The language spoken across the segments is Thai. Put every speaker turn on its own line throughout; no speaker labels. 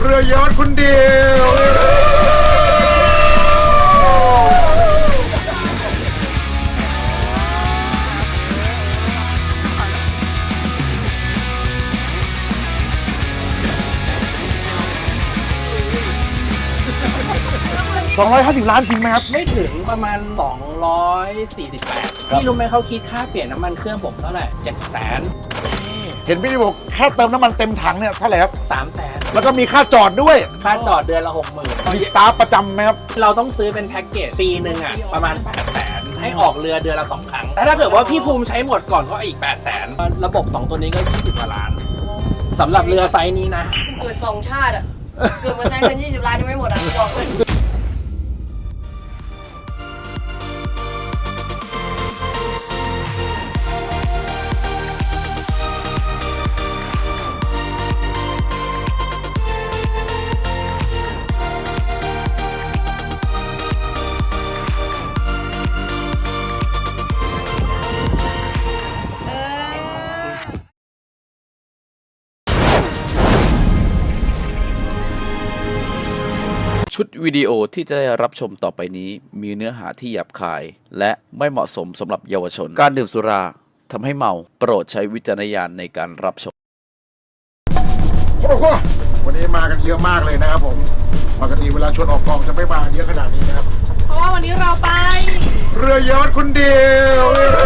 รือยอชต์คุณเดียว250 ล้านจริงไหมครับ
ไม่ถึงประมาณ248พี่รู้ไหมเขาคิดค่าเปลี่ยนน้ำมันเครื่องผมเท่าไหร่700,000
เห็นพี่บอกแค่เติมน้ำมันเต็มถังเนี่ยเท่าไหร่ครับ
300,000
แล้วก็มีค่าจอดด้วย
ค่าจอดเดือนละ60,000
มีสตาฟประจำไหมครับ
เราต้องซื้อเป็นแพ็กเกจปีหนึ่งอ่ะประมาณ800,000ให้ออกเรือเดือนละ2 ครั้งแต่ถ้าเกิดว่าพี่ภูมิใช้หมดก่อนก็อีก800,000ระบบ2ตัวนี้ก็20 กว่าล้านสำหรับเรือไซส์นี้นะ
เกิด2 ชาติอ่ะเกิดมาใช้เงิน20 ล้านยังไม่หมดอ่ะบอกเลย
ชุดวิดีโอที่จะได้รับชมต่อไปนี้มีเนื้อหาที่หยาบคาย และไม่เหมาะสมสำหรับเยาวชนการดื่มสุราทำให้เมาโปรดใช้วิจารณญาณในการรับชม
โอ้โหวันนี้มากันเยอะมากเลยนะครับผมปกติเวลาชวนออกกองจะไม่มาเยอะขนาดนี้นะครับ
เพราะว่าวันนี้เราไป
เรือยอชต์คุณเดียว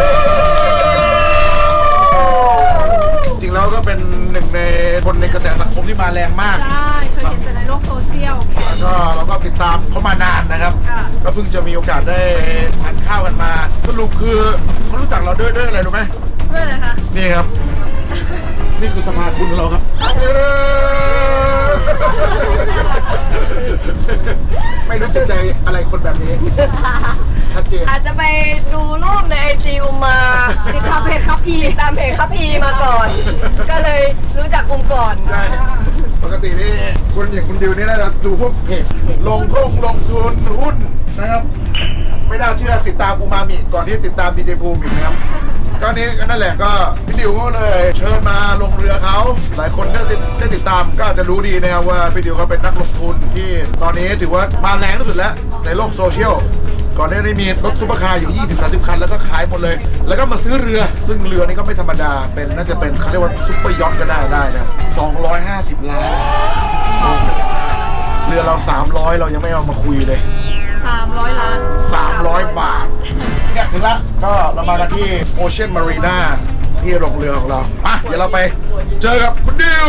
จริงแล้วก็เป็นหนึ่งในคนในกระแสสังคมที่มาแรงมาก
ใช่เคยเห็นแต่ในโลกโซเชียล
แล้วก็เราก็ติดตามเขามานานนะครับก็เพิ่งจะมีโอกาสได้ทานข้าวกันมาสรุปคือเขารู้จักเราด้วยอะไรรู้ไหม
ด้วยอะไรคะ
นี่ครับนี่คือสะพานบุญของเราครับไม่รู้จะใจอะไรคนแบบนี้ชัดเจน
อาจจะไปดูรูปในIGมาติดตามเพจครับอีมาก่อนก็เลยรู้จักก่อน
ใช่ปกตินี่คนอย่างคุณดิวนี่น่าจะดูพวกเพจลงทุนหุ้นนะครับไม่น่าเชื่อติดตามอูมามิก่อนที่ติดตามดีเจภูมิอีกนะครับก็นี้นั่นแหละก็พี่ดิวก็เลยเชิญมาลงเรือเขาหลายคนได้ติดตามก็อาจจะรู้ดีนะครับว่าพี่ดิวเขาเป็นนักลงทุนที่ตอนนี้ถือว่ามาแรงที่สุดแล้วในโลกโซเชียลก่อนหน้านี้มีรถซุปเปอร์คาร์อยู่ 20-30 คันแล้วก็ขายหมดเลยแล้วก็มาซื้อเรือซึ่งเรือนี้ก็ไม่ธรรมดาเป็นน่าจะเป็นเขาเรียกว่าซุปเปอร์ยอทก็ได้นะ250 ล้านเรือเรา300เรายังไม่เอามาคุยเลย
300 ล้าน
300 บาทเนี่ยถึงละก็เรามากันที่ Ocean Marina ที่โรงเรือของเราอ่ะเดี๋ยวเราไปเจอกับคุณดิว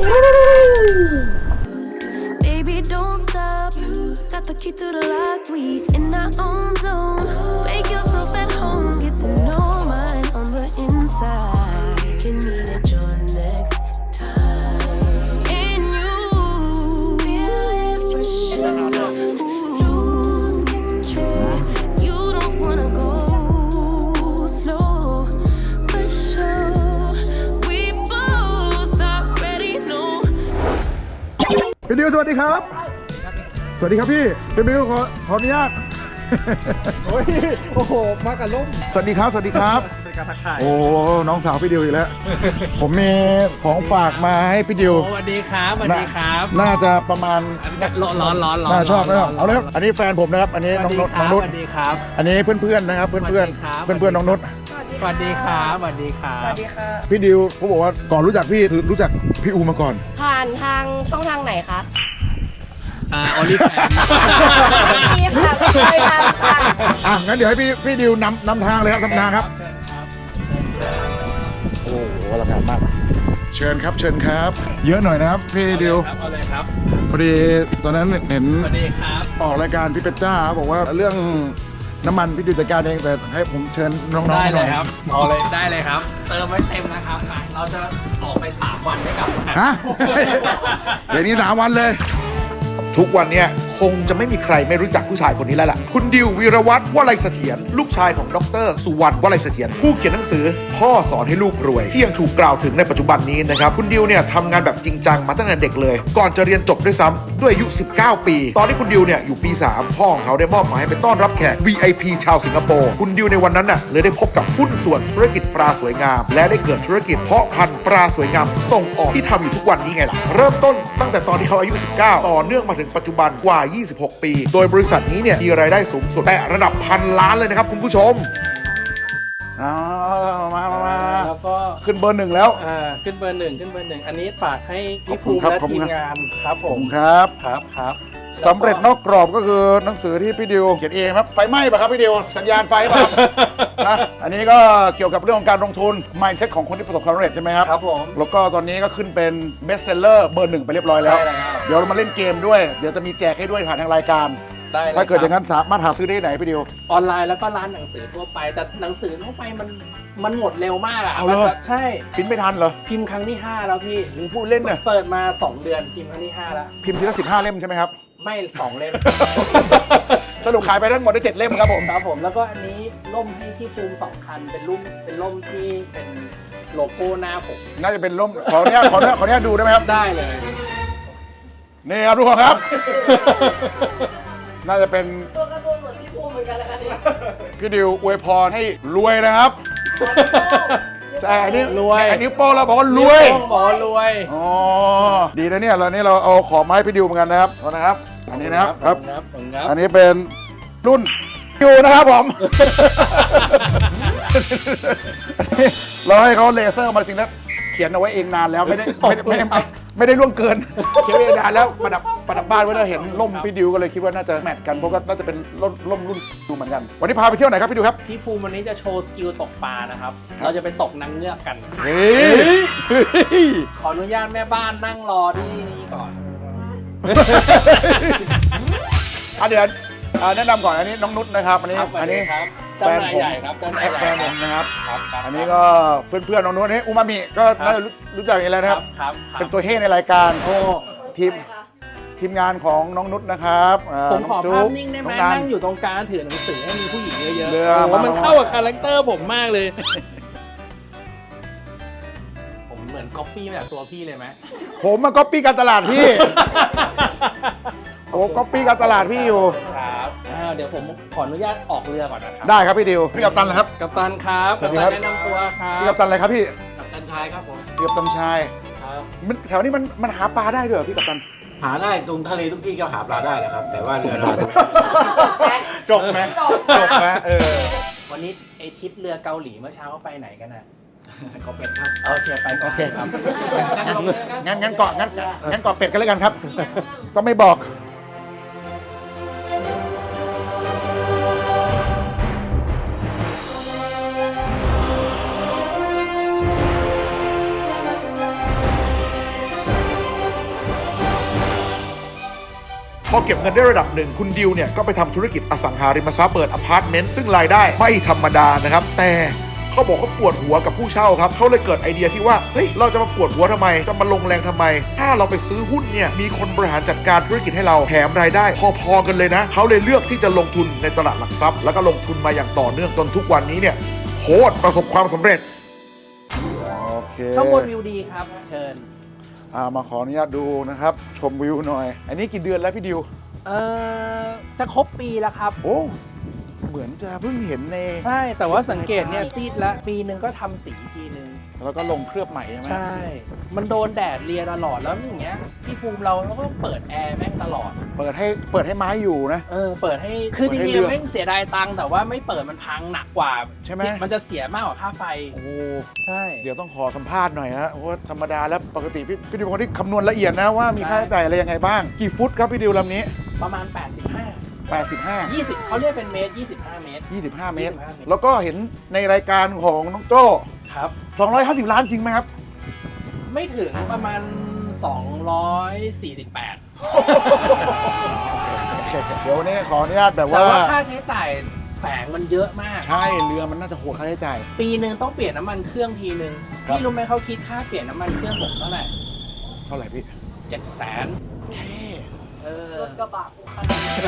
Baby don't stop got the key to the lock we in our own zone make yourself at home get to know mine on the inside can meet at yours next time and you feel it for sure lose control you don't wanna go slow for sure we both already know
พี่ดิวสวัสดีครับสวัสดีครับพี่บิวขออนุญาตโอ้โหมากับล่มสวัสดีครับเป็นการทักทายโอ้น้องสาวพี่ดิวอีกแล้วผมมีของฝากมาให้พี่ดิว
สวัสดีครับ
น่าจะประมาณ
ร้อน
น่าชอบนะครับเอาเลยครับอันนี้แฟนผมนะครับอันนี้น้องนุช
สวัสดีครับ
อันนี้เพื่อนๆนะครับเพื่อนน้องนุช
สวัสดีครับ
พี่ดิวเขาบอกว่าก่อนรู้จักพี่คือรู้จักพี่อูมาก่อน
ผ่านทางช่องทางไหนคะ
ออลิแฟน
นี่ค่ะเคยท
ำงั้นเดี๋ยวให้พี่ดิวนำทางเลยครับนำทางครับโอ้โหอลังการมากเชิญครับเยอะหน่อยนะครับพี่ดิว
เอาเลยครับ
พอดีตอนนั้นเห็น
สวัสดีครับ
ออกรายการพี่เป็ดจ้าบอกว่าเรื่องน้ำมันพี่ดิวจัดการเองแต่ให้ผมเชิญน้องๆหน่อย
ได้เลยครับเอาเลยได้เลยครับเติมไว้เต็มนะครับเราจะออกไป3 วันได้กลับ
ฮะเดี๋ยวนี้3 วันเลยทุกวันเนี้ยคงจะไม่มีใครไม่รู้จักผู้ชายคนนี้แล้วล่ะคุณดิววีรวัฒน์วลัยเสถียรลูกชายของดร.สุวรรณวลัยเสถียรผู้เขียนหนังสือพพ่อสอนให้ลูกรวยที่ยังถูกกล่าวถึงในปัจจุบันนี้นะครับคุณดิวเนี่ยทำงานแบบจริงจังมาตั้งแต่เด็กเลยก่อนจะเรียนจบด้วยซ้ำด้วยอายุ19 ปีตอนที่คุณดิวเนี่ยอยู่ปี 3พ่อของเขาได้มอบหมายให้ไปต้อนรับแขก VIP ชาวสิงคโปร์คุณดิวในวันนั้นน่ะเลยได้พบกับหุ้นส่วนธุรกิจปลาสวยงามและได้เกิดธุรกิจเพาะพันธุ์ปลาสวยงามส่งออกที่ทำอยู่ทุกวันนี้ไงล่ะเริ่มต้นตั้งแต่ตอนที่เขาอายุ19ต่อเนื่องมาถึงปัจจุบันกว่า26 ปีโดยบริษัทนี้เนี่ยมีรายได้สูงสุดแต่ระดับพันล้านเลยนะครับคุณผู้ชมมา
แล้วก็
ขึ้นเบอร์ 1แล้ว
ขึ้นเบอร์ 1อันนี้ฝากให้พี่
ขอบคุ
ภู
ณ
มิ
ครับ
และ
ขอบคุ
ที
ณ
ม
ครับ
งานครับผม
ครับ
ครับ
สำเร็จนอกกรอบก็คือหนังสือที่พี่ดิวเขียนเองครับไฟไหม้ป่ะครับพี่ดิวสัญญาณไฟป่ะ นะอันนี้ก็เกี่ยวกับเรื่องของการลงทุน mindset ของคนที่ประสบความสำเร็จใช่ไหมครับ
ครับผม
แล้วก็ตอนนี้ก็ขึ้นเป็น best seller เบอร์ 1ไปเรียบร้อยแล้ว
ใช่แล้ว
เดี๋ยวเรามาเล่นเกมด้วยเดี๋ยวจะมีแจกให้ด้วยผ่านทางรายการ
ได้ล
ถ้าเกิดอย่างนั้นสามารถหาซื้อได้ที่ไหนพี่ดิว
ออนไลน์แล้วก็ร้านหนังสือทั่วไปแต่หนังสือทั่วไปมันหมดเร็วมากอะ
เอาเลย
มันแบบใช่
พิมพ์ไม่ทันเหรอ
พิมพ์ครั้งที่ 5 แล้วพี่
มึงพูดเล่นเนี่ย
เปิดมา 2 เดือนพิมพ์ครั้งที่ 5 แล้ว
พิมพ์ทีละ15 เล่มใช่ไหมครับ
ไม่ 2 เล่ม
สรุปขายไปทั้งหมดได้7 เล่มครับผม
ครับผมแล้วก็อันนี้ร่มให้พี่ภูมิ2 คันเป็นร่มที่เป็นโลโก้หน้าผม
น่าจะเป็นร่มขออนุญาตดูได้ไหมครับ
ได้เลย
นี่ครับทุกคนครับ น่าจะเป็น
ตัวการ์ตูนเหมือนพี่ภูมิเหมือนกันนะคะเนี่ย
พี่ดิวอวยพรให้รวยนะครับใช่อันนี้
รวย
อันนี้โป้เราบอกว่ารวย
ต้องบอกว่ารวย
อ๋อดีนะเนี่ยเรานี่เราเอาของมาให้พี่ดิวเหมือนกันนะครับเอานะครับ อันนี้นะครับครับ
ผมครับ
อันนี้เป็นรุ่นดิวนะครับผม เราให้เขาเลเซอร์มาจริงแล้วเขียนเอาไว้เองนานแล้วไม่ได้ล่วงเกินเขียนไว้เองนานแล้วประดับบ้านไว้แล้วเห็นร่มพี่ดิวก็เลยคิดว่าน่าจะแมทกันเพราะก็น่าจะเป็นร่มรุ่นดิวเหมือนกันวันนี้พาไปเที่ยวไหนครับพี่ดิวครับ
พี่ภูมิวันนี้จะโชว์สกิลตกปลานะครับ เราจะไปตกนางเงือกกัน
เฮ้ย
ขออนุญาตแม่บ้านนั่งรอที่นี่ก่อน
เดี๋ยวแนะนำก่อนอันนี้น้องนุชนะครับอันนี้
ครับ
อันนี้
ครับเจ้านายใหญ่ครับเจ้านายใหญ่
แฟนผมนะครับ
ครับ
อันนี้ก็เพื่อนๆน้องนุชอันนี้อูมามิก็น่าจะรู้จักอยู่แล้วนะครับ
ครับ
เป็นตัวเฮ่ในรายการ
โอ้
ทีมงานของน้องนุชนะครับ
ผมขอ
น้ง
ภาพ
จุ๊
นิ่งได้ไหม
น้อ
นั่งอยู่ตรงกลางถือหนังสือให้มีผู้หญิงเยอะๆ
เรือ
โอ้โห
มา
มันเข้ากับคาแรคเตอร์ผมมากเลย ผมเหมือนก๊อปปี้มาจากตัวพี่เลยไหม
ผมมาก๊อปปี้การตลาดพี่ โอ้ก๊อปปี้การตลาดพี่อยู่
ครับเดี๋ยวผมขออนุญาตออกเรือก่อนนะครับ
ได้ครับพี่ดิวพี่กัปตันเหรอครับ
กัปตันครับ
สวัสดีครับ
กัปตันแนะนำตัวครับ
พี่กัปตันอะไรครับพี่
กัปตันชายครับผม
พี่กัปตันชาย
ครับ
แถวนี้มันหาปลาได้ด้วยเหรอพี่กัปตัน
หาได้ตรงทะเลทุกที่ก็หาปลาได้นะครับ แต่ว่าเรือเรา
จบไหมไหม
วันนี้ไอทริปเรือเกาหลีเมื่อเช้าเขาไปไหนกันน่ะ
เขาเป็นครับ
โอเคไปก่อน
โอเค
ครับ
งั้นเกาะเป็ดกันเลยกันครับ ต้องไม่บอก พอเก็บเงินได้ระดับหนึ่งคุณดิวเนี่ยก็ไปทำธุรกิจอสังหาริมทรัพย์เปิดอพาร์ตเมนต์ซึ่งรายได้ไม่ธรรมดานะครับแต่เขาบอกเขาปวดหัวกับผู้เช่าครับเขาเลยเกิดไอเดียที่ว่าเฮ้ยเราจะมาปวดหัวทำไมจะมาลงแรงทำไมถ้าเราไปซื้อหุ้นเนี่ยมีคนบริหารจัดการธุรกิจให้เราแถมรายได้พอๆกันเลยนะเขาเลยเลือกที่จะลงทุนในตลาดหลักทรัพย์แล้วก็ลงทุนมาอย่างต่อเนื่องจนทุกวันนี้เนี่ยโคตรประสบความสำเร็จโอเค
ข้างบนวิวดีครับ เชิญ
มาขออนุญาตดูนะครับชมวิวหน่อย อันนี้กี่เดือนแล้วพี่ดิว
จะครบปีแล้วครับ
โอ้เหมือนจะเพิ่งเห็นใน
ใช่แต่ว่าสังเกตเนี่ยซีดแล้วปีหนึ่งก็ทำสีทีนึง
แล้วก็ลงเคลือบใหม่ใช่ไหม
ใช่ มันโดนแดดเรียตลอดแล้วอย่างเงี้ยพี่ภูมิเราก็เปิดแอร์แม่งตลอด
เปิดให้ไม้อยู่นะ
เปิดให้คือจ
เปิดให้
ริง
เรือ
ๆแม่งเสียดายตังค์แต่ว่าไม่เปิดมันพังหนักกว่า
ใช่ไหม
มันจะเสียมากกว่าค่าไฟ
โอ้
ใช่
เดี๋ยวต้องขอสัมภาษณ์หน่อยฮะเพราะว่าธรรมดาแล้วปกติพี่ดิวเป็นคนที่คำนวณละเอียดนะว่ามีค่าใช้จ่ายอะไรยังไงบ้าง กี่ฟุตครับพี่ดิวลำนี้
ประมาณ 85
85
20เขาเรียกเป็นเมตร 25 เมตร
25 เมตร
25 เมตร
แล้วก็เห็นในรายการของน้องโจ้
ครับ
250 ล้านจริงไหมครับ
ไม่ถึงประมาณ 248
เดี๋ยววันนี้ขออนุญาตแบบ
แต่
ว่า
ว่าค่าใช้จ่ายแฝงมันเยอะมาก
ใช่เรือมันน่าจะโหดค่าใช้จ่าย
ปีหนึ่งต้องเปลี่ยนน้ำมันเครื่องทีนึง
ครับ
พี่รู้ไหมเขาคิดค่าเปลี่ยนน้ำมันเครื่องผมเท่าไหร่
เท่าไหร่พี่
700,000
แค่
รถกระบะกูคัน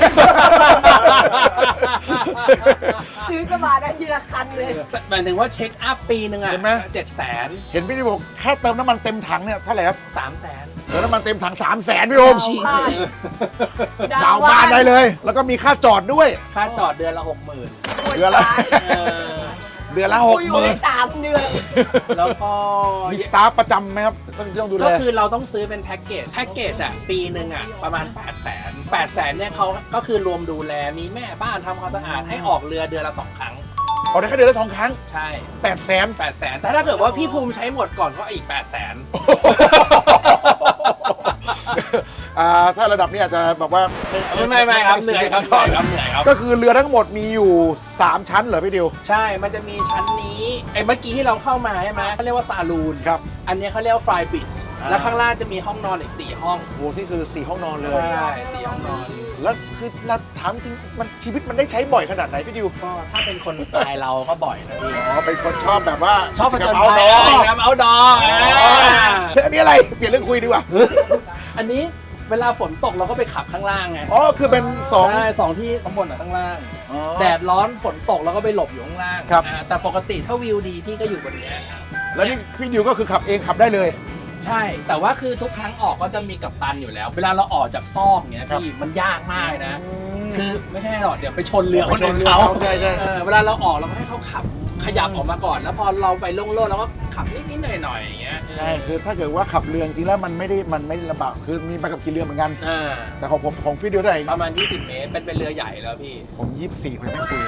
ซื้อกระบะได้ทีละคันเลย
หมายถึงว่าเช็คอัพปีหนึ่งอ่ะ
เห็นไหม
700,000
เห็นพี่ดิวบอกแค่เติมน้ำมันเต็มถังเนี่ยเท่าไหร่ครับ
300,000
เติมน้ำมันเต็มถัง300,000พี่โอม
Jesus
ดาวบ้านได้เลย แล้วก็มีค่าจอดด้วย
ค่าจอดเดือนละ 60,000
เดือนละ เดือนละ
กูอยู่ได้3 เดือน
แล้วก็
มีสตาฟประจำไหมครับต้องดูแล
ก็คือเราต้องซื้อเป็นแพ็กเกจอ่ะปีหนึ่งอ่ะประมาณ 800,000เนี่ยเขาก็คือรวมดูแลมีแม่บ้านทำความสะอาดให้ออกเรือเดือนละ 2 ครั้ง
เอาได้แค่เดือนละ2 ครั้ง
ใช่
800,000
800,000แต่ถ้าเกิดว่าพี่ภูมิใช้หมดก่อนก็อีก 800,000
ถ้าระดับนี้อาจจะแบบว่า
ไม่ครับเหนื่อยครับเหนื่อยครับ
ก็คือเรือทั้งหมดมีอยู่3ชั้นเหรอพี่ดิว
ใช่มันจะมีชั้นนี้ไอ้เมื่อกี้ที่เราเข้ามาใช่ไหมเขาเรียกว่าซาลูน
ครับ
อันนี้เขาเรียกว่าฟลายบิดแล้วข้างล่างจะมีห้องนอนอีก4 ห้อง
โอ้ที่คือ4ห้องนอนเลย
ใช่4 ห้องนอน
แล้วคือเราถามจริงมันชีวิตมันได้ใช้บ่อยขนาดไหนพี่ดิว
ก็ถ้าเป็นคนสไตล์เราก็บ่อยนะพี่
อ๋อเป็นคนชอบแบบว่า
ชอบประจน
เอา
ภั
ด
ย
อ
อะไรครับเอาดอ
อันนี้อะไรเปลี่ยนเรื่องคุยดีกว่า
อันนี้เวลาฝนตกเราก็ไปขับข้างล่างไง
อ๋อคือเป็น2
ใช่2 ที่ข้างบนกับข้างล่าง
อ๋อ
แดดร้อนฝนตกเราก็ไปหลบอยู่ข้างล่าง
ครับ
แต่ปกติถ้าวิวดีพี่ก็อยู่บนเนี้ย
แล้วนี่พี่ดิวก็คือขับเองขับได้เลย
ใช่ แต่ว่าคือทุกครั้งออกก็จะมีกัปตันอยู่แล้ว เวลาเราออกจากซอกเงี้ย
ครับ
พี่มันยากมากนะ คือไม่ใช่หรอกเดี๋ยวไปชนเรือคนอื่น
ไปชนเรือ
เขา
เขาใช่
เวลาเราออกเราก็ให้เขาขับขยับออกมาก่อน แล้วพอเราไปโล่งๆเราก็ขับนิดๆหน่อยๆอย่างเงี้ย
ใช่คือถ้าเกิดว่าขับเรือจริงแล้วมันไม่ได้ลำบากคือมีใบขับขี่เรือเหมือนกัน
อ่า
แต่ของพี่ดิวได้
ประมาณ20 เมตรเป็นเรือใหญ่แล้วพี่
ผม24ผมไม่คุย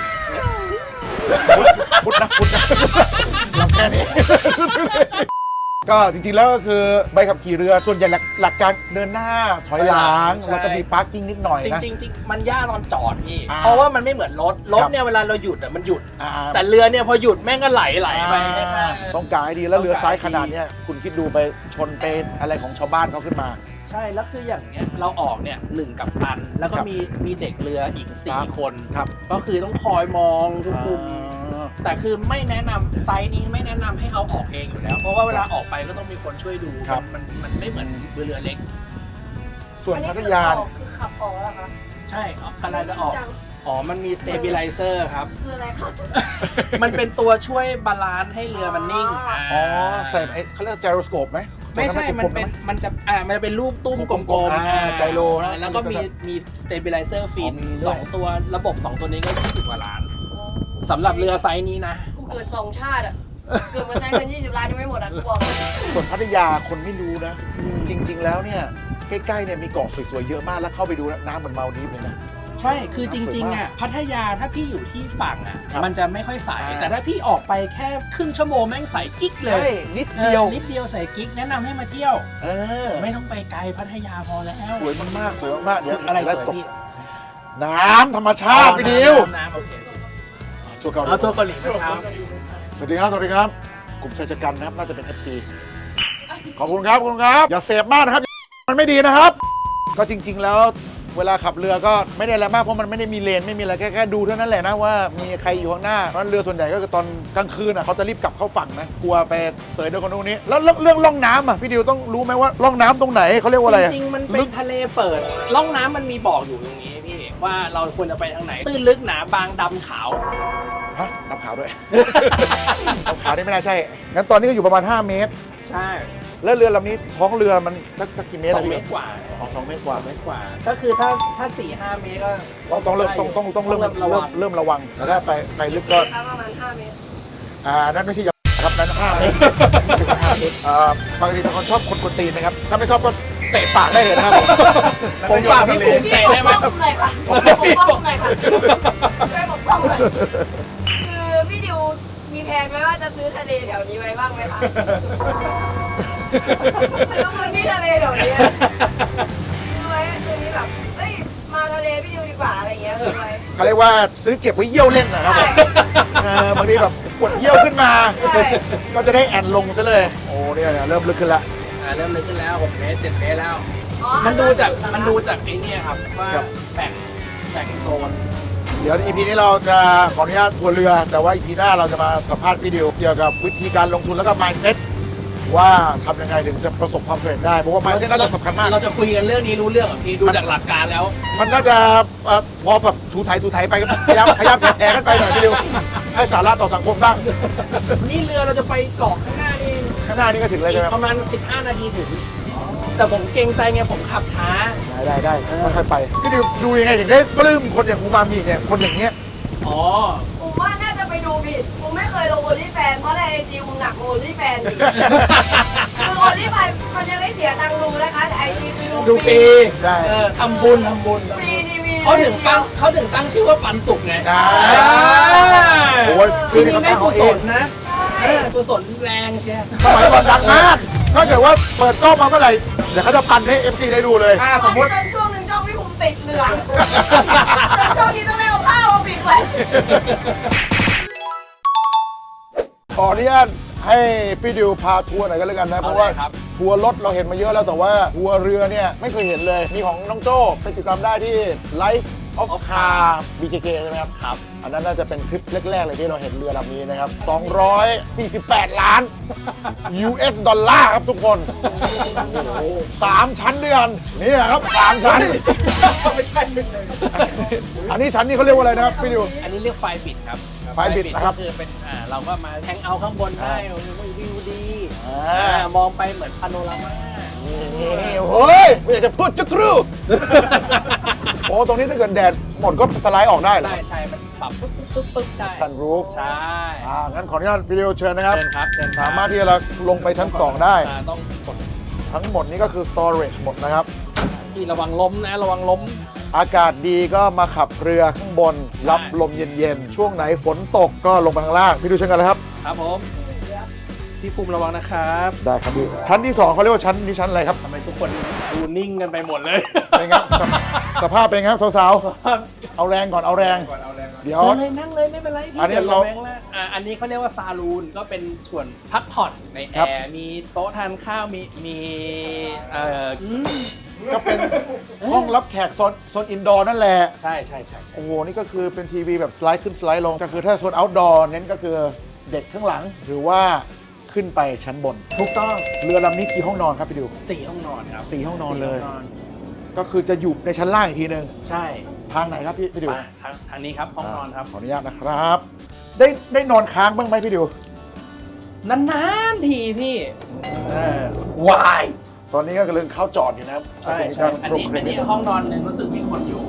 พุทธนะรับแค่นี้ ก็จริงๆแล้วก็คือใบขับขี่เรือส่วนใหญ่หลักการเดินหน้าถอยหลัง
ใช่
แล้วก็มีพาร์กิ้งนิดหน่อย
จ
นะ
ริงๆมันยากตอนจอดพี่
อ่า
เพราะว่ามันไม่เหมือนรถ
ครับ
เนี่ยเวลาเราหยุดมันหยุด
อ่า
แต่เรือเนี่ยพอหยุดแม่งก็ไหลไป
ต้องการให้ดีแล้วเรือซ้ายขนาดเนี้ยคุณคิดดูไปชนไปอะไรของชาวบ้านเขาขึ้นมา
ใช่แล้วคืออย่างเนี้ยเราออกเนี่ย1 กัปตัน แล้วก็
ครับ
มีเด็กเรืออีก
ครับ
4 คน
ครับ
ก็คือต้องคอยมองทุกมุมแต่คือไม่แนะนำไซส์นี้ไม่แนะนำให้เอาออกเองอยู่แล้ว เพราะว่าเวลาออกไปก็ต้องมีคนช่วยดู
ครับ
มันไม่เหมือนเรือเล็ก
ส่วนพัทยาเนี่ย
คือขับออกแล้วเหรอคะ
ใช่กำลังจะออกอ๋อมันมีสเตเบลไลเซอร์ครับ
คืออะไรคะ
มันเป็นตัวช่วยบาลานซ์ให้เรือมันนิ่ง
อ๋อใส่ไอ้เขาเรียกไจโรสโคปไหม
ไม่ใช่ มันเป็นมันจะมันจะเป็นรูปตุ้มกลม
ไจโรนะ
แล้วก็มีสเตเบลไลเซอร์ฟิน
อ๋อมีด้วย
2 ตัวระบบ 2 ตัวนี้ก็20 กว่าล้านสำหรับเรือไซส์นี้นะ
กูเกิด2 ชาติอ่ะ เกิดมาใช้เงิน20 ล้านยังไม่หมดอ่ะกูบอกเลย
ส่วนพัทยาคนไม่รู้นะ จริง ๆ แล้วเนี่ยใกล้ๆเนี่ยมีเกาะสวยๆเยอะมากแล้วเข้าไปดูน้ำเหมือนมาลดีฟเลยนะ
ใช่ คือจริงๆอ่ะพัทยาถ้าพี่อยู่ที่ฝั่งอ่ะ
ครับ
มันจะไม่ค่อยใส
อ่า
แต่ถ้าพี่ออกไปแค่ครึ่งชั่วโมงแม่งใสกิ๊กเล
ใช่
ย
นิดเดียว
นิดเดียวใสกิ๊กแนะนำให้มาเที่ยว
เออ
ไม่ต้องไปไกลพัทยาพอแล้ว
สวยมากๆสวยมากๆเดี๋ยว
อะไรส
แล้ว
วย
ตก
พี่
น้ำธรรมชาติพี่ดิว
น้ำโอเค
ทัวร์เกาหลี
เอาตัวเกาหลีเมื่อเช้า
สวัสดีครับ สวัสดีครับ กลุ่มชายชะกันนะครับ น่าจะเป็น FC ขอบคุณครับ ขอบคุณครับ อย่าเสพมากนะครับ มันไม่ดีนะครับ ก็จริง ๆ แล้วเวลาขับเรือก็ไม่ได้อะไรมาก เพราะมันไม่ได้มีเลน ไม่มีอะไร แค่ดูเท่านั้นแหละนะว่ามีใครอยู่ข้างหน้า เพราะเรือส่วนใหญ่ก็คือตอนกลางคืนอ่ะเขาจะรีบกลับเข้าฝั่งนะ กลัวไปเสยโดนคนนู้นนี้ แล้วเรื่องล่องน้ำอ่ะ พี่ดิวต้องรู้ไหมว่าล่องน้ำตรงไหนเขาเรียกว่าอะไรอะ
จริงๆ มันเป็
ลึ
น
ก
ทะเลเปิด ร่องน้ำมันมีบอกอยู่ตรงนี้พี่ ว่าเราควรจะไปทางไหน ตื้นลึกหนาบางดำขาว
ฮะดำขาวด้วย ดำขาวนี่ไม่น่าใช่ งั้นตอนนี้ก็อยู่ประมาณ 5 เมตร
ใช่
แล้วเรือลำนี้ท้องเรือมันสักกี่เมตร
2
อะพี่
เมตรกว่า
2 เมตรกว่า
2 เมตรกว่า ก็คือถ้า 4-5 เมตรก็
ต้องเริ่มระวังแต่ถ้าไปลึกก็
ประมาณ5 เมตร
นั่นไม่ใช่ยาครับนั้น5 เมตรปกติเป็นคนชอบคนกวนตีนนะครับ ถ้าไม่ชอบก็เตะปากได้เลยนะครับ
ผมฝากพี่ภูมิ
พี่
เตะ
ป
ได้
ก
ไหม
ป้องหน่อยค่ะปกป้องหน่อยค่ะช่วยปกป้องหน่อยคือพี่ดิวมีแผนไว้ว่าจะซื้อทะเลแถวนี้ไว้บ้างไหมคะ ซื้อพื้นที่ทะเลแถวนี้ซื้อไว้ซื้อนี้แบบเอ้ยมาทะเลพี่ดิวดีกว่าอะไรอย่างเงี้ยซื้อไว้
เขาเรียกว่าซื้อเก็บไว้เยี่ยวเล่นนะครับผมบางทีแบบปวดเยี่ยวขึ้นมา
ใช่
ก็จะได้แอนลงซะเลย โอ้เนี่ยเริ่มลึกขึ้นละ
เริ่มลึกขึ้นแล้ว 6 เมตร 7 เมตรแล้ว
อ๋อ
มันดูจากไอ้เนี่ยครับว่า
ครับ
แบ่งโซน
เดี๋ยว EP นี้เราจะขออนุญาตทัวร์เรือ แต่ว่า EP หน้าเราจะมาสัมภาษณ์พี่ดิวเกี่ยวกับวิธีการลงทุนแล้วก็ mindset ว่าทำยังไงถึงจะประสบความสำเร็จได้เพราะว่ามันน่าจะสำคัญมาก
เราจะคุยกันเรื่องนี้รู้เรื่องเหรอพี่ดูจากหลักการแล้ว
มันน่าจะพอแบบถูไถไปก็พยายามแชร์กันไปหน่อยพี่ดิวให้สาระต่อสังคมบ้าง
นี่เรือเราจะไปเกาะข้างหน้านี่
ข้างหน้านี่ก็ถึงเลยใช่ไหม
ประมาณ 15 นาทีถึง แต่ผมเกรงใจไงผมขับช้า
ได้ค่อยๆไปพี่ดิวดูยังไงถึงได้ปลื้มคนอย่างอูมามิเนี่ยคนอย่างเงี้ย
อ๋อ
ผมว่าน่าจะไปดูผิดผมไม่เคยลงโอลิแฟนเพราะในไอจีมึงหนักโอลิแฟนอีกคือโอลิแฟนมันยังได้เสียตังค์ดูนะคะแต่ไอจีคือ
ดู
ดู
ฟ
ฟ
รี
รี
ใช่
ทำบุญ
ฟรีทีวี
เขาถึงตั้งชื่อว่าปันสุกไง
ใช่โอ้ย
จริงๆได้กุศล
เอง
นะกุศลแรงเชียร์
สมัยก่อนดังมากถ้าเกิดว่าเปิดกล้องมาเมื่อไหร่เดี๋ยวเขาจะปั่นให้ FC ได้ดูเลยสมมติ
จนช่วงหนึ่งช่องพี่ภูมิติดเหลืองจนช่วงนี้ต้องได้เอาผ้ามาปิดไว้
ขออนุญาตให้พี่ดิวพาทัวร์หน่อยกันแล้วกันนะเพราะว่าทัวร์รถเราเห็นมาเยอะแล้วแต่ว่าทัวร์เรือเนี่ยไม่เคยเห็นเลยมีของน้องโจ้ไปติดตามได้ที่ Life of Car BKK ใช่ไหมครับครับอันนั้นน่าจะเป็นคลิปแรกๆเลยที่เราเห็นเรือลำนี้นะครับ248 ล้าน US ดอลลาร์ครับทุกคน3 ชั้นด้วยกันนี่แหละครับ3 ชั้นไม่ใช่อันนี้ชั้นนี้เขาเรียกว่าอะไรนะครับพี่ดิว
อันนี้เรียกไฟบิดครับ
ไฟบิดนะครับ
ก็คือเป็นเราก็มาแทงเอาข้างบนได้วิวดี
อ่า
มองไปเหมือนพาโนรามา
นี่โอ้ยไม่อยากจะพูดจุกรูโอ้ตรงนี้ถ้าเกิดแดดหมดก็สไลด์ออกได้เหรอ
ใช่มันปรับปึ๊บได้
ซันรูฟ
ใช่
งั้นขออนุญาตวิดีโอเชิญนะครับ
เชิญครับ
สามารถที่จะลงไปชั้น 2 ได้
ต้องกด
ทั้งหมดนี้ก็คือ storage หมดนะครับ
ที่ระวังล้มนะระวังล้ม
อากาศดีก็มาขับเรือข้างบน รับลมเย็นๆ ช่วงไหนฝนตกก็ลงไปข้างล่าง พี่ดูเช่นกันเลยครับ
ครับผมพี่ภูมิระวังนะครับ
ได้ครับพี่ชั้นที่ 2เขาเรียกว่าชั้นนี้ชั้นอะไรครับ
ทำไมทุกคนดูนิ่งกันไปหมดเลย
เป็นไงครับสภาพเป็นไงครับสาวๆเอาแรงก่อนเอาแรงเดี๋ยว
เชิญเลยนั่งเลยไม่เป็นไรพี่
อันนี้
ดี๋ยว
เรา
แบงค์ละอันนี้เขาเรียกว่าซาลูนก็เป็นส่วนพักผ่อนในแอ
ครับ
ร์มีโต๊ะทานข้าวมี
ก็เป็นห้องรับแขกโซนอินดอร์นั่นแหละ
ใช่
โอ้โห นี่ก็คือเป็นทีวีแบบสไลด์ขึ้นสไลด์ลง ก็คือถ้าโซนเอาท์ดอร์เน้นก็คือเด็กข้างหลัง หรือว่าขึ้นไปชั้นบน
ถูกต้อง
เรือลำนี้กี่ห้องนอนครับพี่ดิว
4 ห้องนอนครับ
4 ห้องนอนเลย
4ห้งนอน
ก็คือจะอยู่ในชั้นล่างอีกทีนึง
ใช่
ทางไหนครับพี่ดิว
มาทางนี้ครับห้องนอนครับ
ขออนุญาตนะครับ ได้นอนค้างบ้างไหมพี่ดิวน
านๆทีพี่วาย
ตอนนี้ก็กำลังเข้าจอดอยู่นะครับ
ใช่
ตรง
อันนี้ห้องนอนหนึ่งรู้สึกมีคนอยู่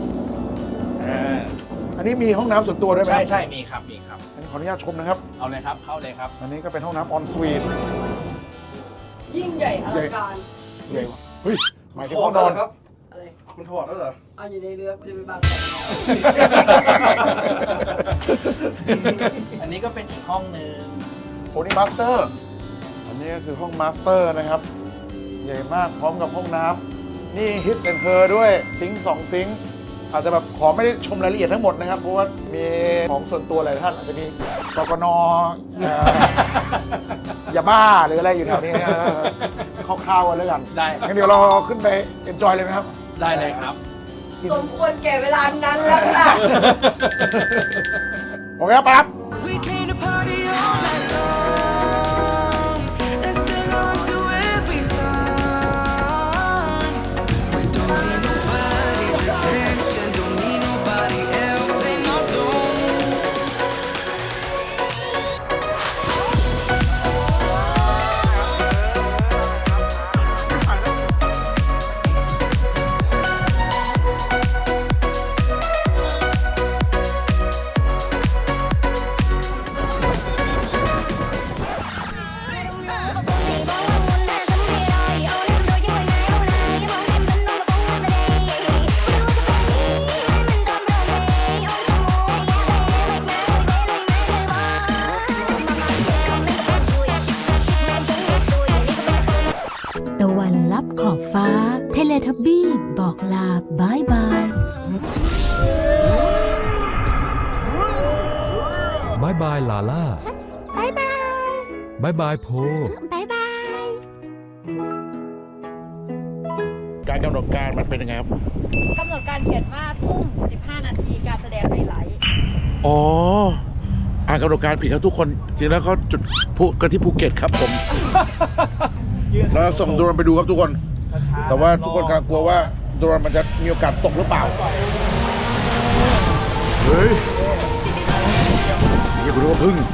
อันนี้มีห้องน้ำส่วนตัวด้วยไหม
ใช่มีครับ
อันนี้ขออนุญาตชมนะครับ
เอาเลยครับเข้าเลยครับ
อันนี้ก็เป็นห้องน้ำออนสวีท
ยิ่งใหญ่อลังการ
ใหญ่ว่ะเฮ้ยหมายถึงห้องนอนครับ
อะไร
มันถอดแล้วเหรอ
เอาอยู่ในเรือจะไปบาง
อันนี้ก็เป็นอีกห้องหนึ่ง
โอ้นี่มาสเตอร์ อันนี้ก็คือห้องมาสเตอร์นะครับ ใหญ่มากพร้อมกับห้องน้ำนี่ฮิตแอนเธอด้วยซิงค์2ซิงค์อาจจะแบบขอไม่ได้ชมรายละเอียดทั้งหมดนะครับ เพราะว่ามีของส่วนตัวหลายท่านอาจจะมีกกนยาบ้าหรืออะไรอยู่แถวนี้นะคร่าวๆกันแล้วกัน
ได้
งั้นเดี๋ยวเราขึ้นไปเอนจอยเลยไหมครับ
ได้เลยครับ
สมควรแก่เวลานั้นแล้วค่ะ
โอเคครับปั๊บ
We came to party all night long and sing along to every song. We don't need nobody's attention, don't need nobody else in our zone.
ตะวันลับขอบฟ้า เทเลทับบี้บอกลาบายบาย
บายบายลาล่าบายบายบายบายโพ
การกำหนดการมันเป็นยังไงครับ
กำหนดการเขียนว่าทุ่ม 15 นาทีการแสดงไฮไลท์
อ๋ออ่านกำหนดการผิดครับทุกคนจริงแล้วเขาจุดพลุกันที่ภูเก็ตครับผมแล้วส่งโดรนไปดูครับทุกคน แต่ว่าทุกคนกำลังกลัวว่าโดรนมันจะมีโอกาสตกหรือเปล่าเฮ้ยอย่าไปดูว่าพึ่ง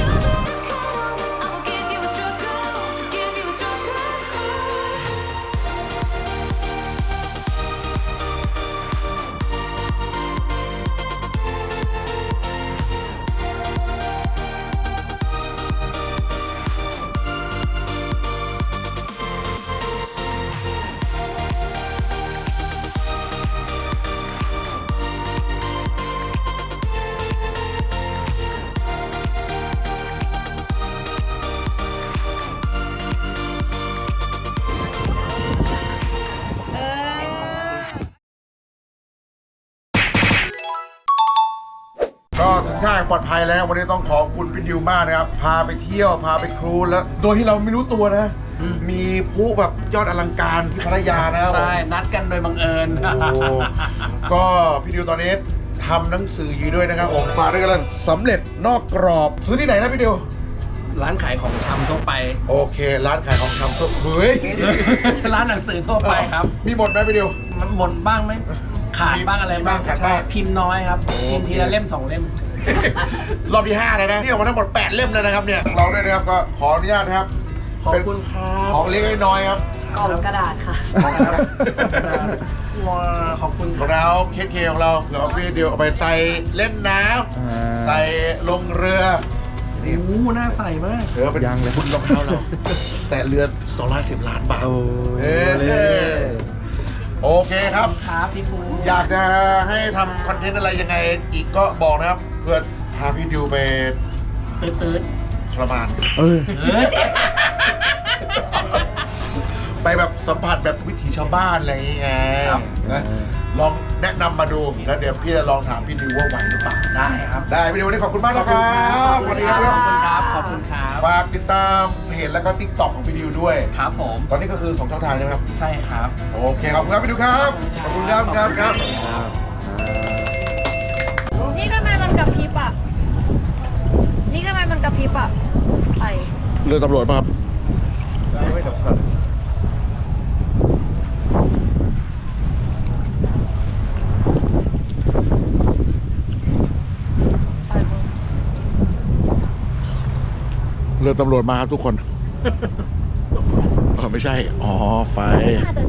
ก็ถึงท่าปลอดภัยแล้ววันนี้ต้องขอบคุณพี่ดิวมากนะครับพาไปเที่ยวพาไปครูซแล้วโดยที่เราไม่รู้ตัวนะ มีพลุแบบยอดอลังการที่พัทยานะครับ
ใช่นัดกันโดยบังเอิญ
โอ้ก็พี่ดิวตอนนี้ทำหนังสืออยู่ด้วยนะครับผมฝากด้วยกันสำเร็จนอกกรอบซื้อที่ไหนนะพี่ดิว
ร้านขายของชำทั่วไป
โอเค ร้านขายของชำเฮ้ย
ร้านหนังสือทั่วไปครับ
มีหมดไหมพี่ดิว
มันหมดบ้างไหมขาดบ้างอะไร
มีบ้างขาดบ้าง
ใช่พิมพ์น้อยครับ พิมพ์ทีละเล่ม2 เล่ม
รอบที่5เลยนะที่ออกมาทั้งหมด8เล่มแล้วนะครับเนี่ยเราด้วยนะครับก็ขออนุญาตนะครับ
ขอบคุณครับ
ของเล็กน้อยครับ
กล่องกระดาษค่ะ
ว้าขอบคุณ
ของเราเคสเคของเราเผื่อเอาพี่เดียวเอาไปใส่เล่นน้ำใส่ลงเรือ
โอ้โหน่าใส่มาก
เออเป็นบุญรองเท้าเรา แต่เรือ210 ล้านบาทโอเคครับ
ครับพี่ปู
อยากจะให้ทำคอนเทนต์อะไรยังไงอีกก็บอกนะครับ เพื่อพาพี่ดิวไป
ตื้น
ทรมาน
เฮ้ย
ไปแบบสัมผัสแบบวิถีชาวบ้านอะไรอย่างเงี้ยนะลองแนะนำมาดูแล้วเดี๋ยวพี่จะลองถามพี่ดิวว่าไหวหรือเปล่า
ได้ครับ
ได้พี่ดิววันนี้ขอบคุณมากนะครับ
ข
วั
อบ
น
คุ
นี้
ณ
ครับ
ครับขอบคุณครับ
ฝากติดตามเพจแล้วก็ TikTok ของพี่ดิวด้วย
ครับผม
ตอนนี้ก็คือ2ช่องทางใช่ไหมครับ
ใช่ครับ
โอเคขอบคุณครับพี่ดิวครับขอบคุณครับครับ
นี่ทำไมมันกระพริบอ่ะ นี่ทำไมมันกระพริบอ่ะไป
เรือตำรวจป่ะครับเรือตำรวจมาครับทุกคน ไม่ใช่ อ๋อ ไฟ